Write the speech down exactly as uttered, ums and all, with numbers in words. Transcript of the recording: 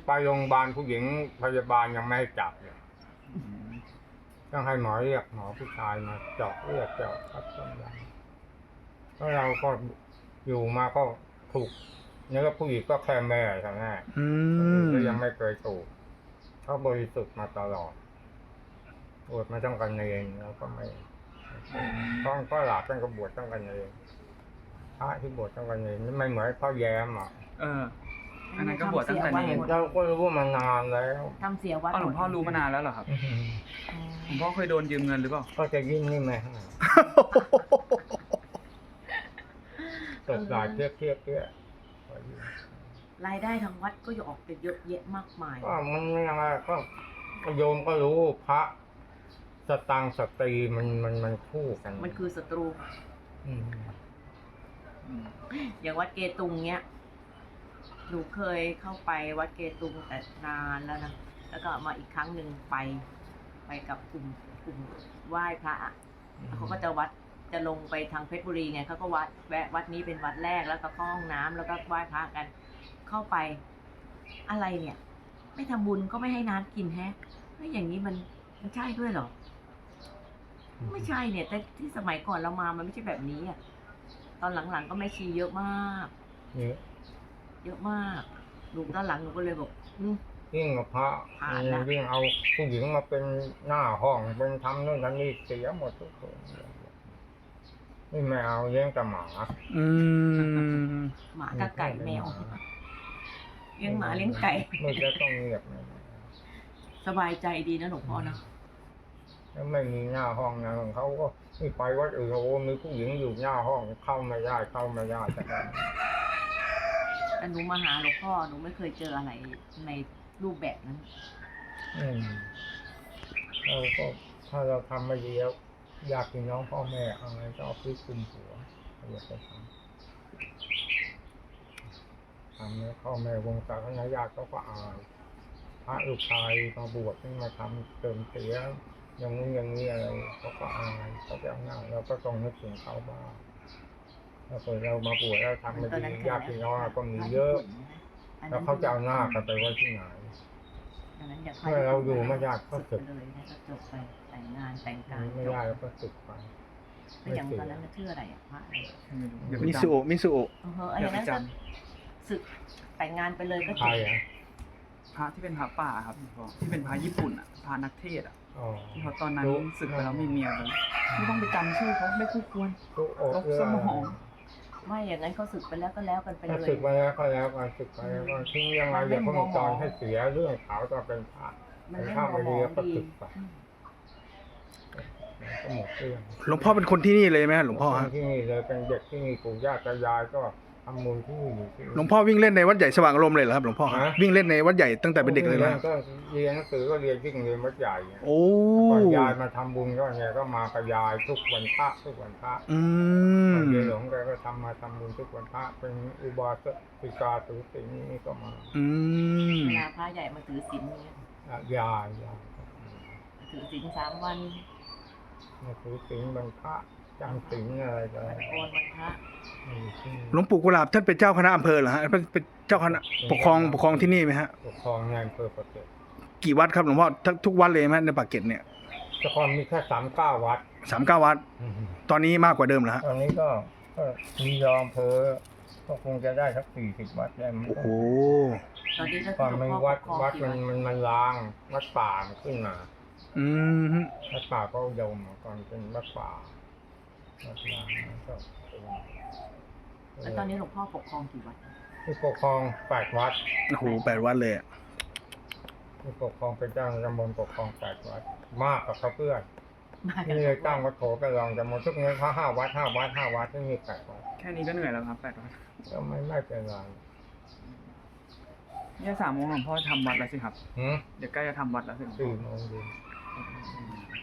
ไปโรงพยาบาลผู้หญิงพยาบาลยังไม่ให้จับเลยต้องให้หมอเรียกหมอผู้ชายมาเจาะเลือดเจาะคัดต้มยำแล้วเราก็อยู่มาก็ถูกเนี่ยก็ผู้หญิงก็แค่แม่ใช่ไหมก็ยังไม่เคยถูกเขาบริสุทธิ์มาตลอดบวชมาต้องกันเองแล้วก็ไม่ต้องก็หลาบต้องกบวชต้องกันเองพระที่บวชต้องกันเองไม่เหมือนพ่อแย้มอ่ะเอออันนั้นก็บวชตั้งแต่เด็กเราก็รู้มานานแล้วทำเสียวัดหลวงพ่อรู้มานานแล้วเหรอครับหลวงพ่อเคยโดนยืมเงินหรือเปล่าก็จะยิ่งนี่ไหมตกหลายเทียบเทียบเทียบรายได้ทางวัดก็ออกเป็นเยอะแยะมากมายก็มันยังไงก็โยมก็รู้พระสตังสตรีมันมันมันคู่กันมันคือศัตรูอย่างวัดเกตุงเนี้ยหนูเคยเข้าไปวัดเกตุงแต่นานแล้วนะแล้วก็มาอีกครั้งหนึ่งไปไปกับกลุ่มกลุ่มไหว้พระเขาก็จะวัดจะลงไปทางเพชรบุรีไงเขาก็วัดแวะวัดนี้เป็นวัดแรกแล้วก็เข้าห้องน้ำแล้วก็ไหว้พระกันเข้าไปอะไรเนี่ยไม่ทำบุญก็ไม่ให้น้ำกินแฮะไม่อย่างนี้มันมันใช่ด้วยหรอไม่ใช่เนี่ยแต่ที่สมัยก่อนเรามามันไม่ใช่แบบนี้อ่ะตอนหลังๆก็ไม่ชีเยอะมากเยอะเยอะมากหนูตอนหลังหนูก็เลยบอกยิ่งกับพระยิ่งเอาผู้หญิงมาเป็นหน้าห้องเป็นทำนู่นทำนี่เสียหมดทุกคนนี่ไม่เอาเลี้ยงแต่หมาอืมหมากับไก่แมวเลี้ยงหมาเลี้ยงไก่ไม่จะต้องเงียบสบายใจดีนะหลวงพ่อนะแล้วไม่มีหน้าห้องนะของเขาก็ไม่ไปวัดอื่นโอ้มีผู้หญิงอยู่หน้าห้องเข้าไม่ได้เข้าไม่ได้แต่แต่หนูมาหาหลวงพ่อหนูไม่เคยเจออะไรในรูปแบบนั้นอืมเราก็ถ้าเราทำไม่ดีแล้วอยากกินน้องพ่อแม่อะไรก็เอาไปคุมหัวอยากจะทำทำแล้วพ่อแม่วงศาคณะญาติเขาก็อายพระลูกชายมาบวชนี่มาทำเติมเสียอย่างนี้อย่างนี้อะไรเขาก็อายเขาจะเอาหน้าเราก็ต้องนึกถึงเขาบ้างถ้าเกิดเรามาบวชแล้วทำไม่ดีญาติพี่น้องก็มีเยอะแล้วเขาจะเอาหน้ากันไปไว้ที่ไหนเมื่อเราอยู่ไม่ยากก็สึกเลยนะก็จบไปแต่งงานแต่งการไม่ได้แล้วก็สึกไปไม่อย่างตอนนั้นชื่ออะไรอ่ะพระอะไรมิสุโอมิสุโอเอออย่างนั้นสึกแต่งงานไปเลยก็จบพระที่เป็นพระป่าครับที่เป็นพระญี่ปุ่นอ่ะพระนักเทศอ่ะที่เขาตอนนั้นสึกไปแล้วมีเมียเลยไม่ต้องไปจำชื่อเขาไม่คู่ควรลบสมองไม่อย่างนั้นเขาสึกไปแล้วก็แล้วกันไปเลยสึกไปแล้วก็แล้วกันสึกไปแล้วก็ทิ้งยังไงอย่าเพิ่งจอนให้เสียเรื่องเขาจะเป็นพระเป็นข้าวไปเรียก็สึกไปก็หมดเรื่องหลวงพ่อเป็นคนที่นี่เลยไหมหลวงพ่อฮะที่นี่เลยเป็นเด็กที่นี่ปู่ย่าตายายก็ทำมูลที่นี่อยู่ที่หลวงพ่อวิ่งเล่นในวัดใหญ่สว่างอารมณ์เลยเหรอครับหลวงพ่อวิ่งเล่นในวัดใหญ่ตั้งแต่เป็นเด็กเลยนะก็เรียนหนังสือก็เรียนวิ่งเรียนวัดใหญ่โอ้ยายมาทำบุญก็ไงก็มากับยายทุกวันพระทุกวันพระอืมเรียนหลวงแกก็ทำมาทำบุญทุกวันพระเป็นอุบาสิกาถือศีลนี่ก็มาอืมเวลาพระใหญ่มาถือศีลเนี่ยยายยายถือศีลสามวันมาถือศีลบรรพะจำศีลอะไรกันหลวงปู่กุหลาบท่านเป็นเจ้าคณะอำเภอเหรอฮะเป็นเจ้าคณะปกครองปกครองที่นี่ไหมฮะปกครองในอำเภอปากเกร็ดกี่วัดครับหลวงพ่อทุกวัดเลยไหมในปากเกร็ดเนี่ยแต่ก่อนมีแค่สามเก้าวัดสามเก้าวัดตอนนี้มากกว่าเดิมแล้วฮะตอนนี้ก็มียอมเพอก็คงจะได้สักสี่สิบวัดได้มั้งโอ้โหตอนนี้ก็ก่อนมันวัดวัดมันมันมันล้างวัดป่าขึ้นมาอืมวัดป่าก็ยมก่อนเป็นวัดป่าแล้วตอนนี้หลวงพ่อปกครองกี่วัดที่ปกครองแปดวัดโอ้โหแปดวัดเลยที่ปกครองเป็นเจ้าตำบลปกครองแปดวัดมากกว่าเขาเพื่อนนี่เลยตั้งวัดโถไปลองจำนวนทุกเงี้ยเขาห้าวัดห้าวัดห้าวัดที่มีแปดวัดแค่นี้ก็เหนื่อยแล้วครับแปดวัดก็ไม่ไม่เป็นไรเนี่ยสามโมงหลวงพ่อทำวัดแล้วสิครับเดี๋ยวใกล้จะทำวัดแล้วสิสี่โมงเย็น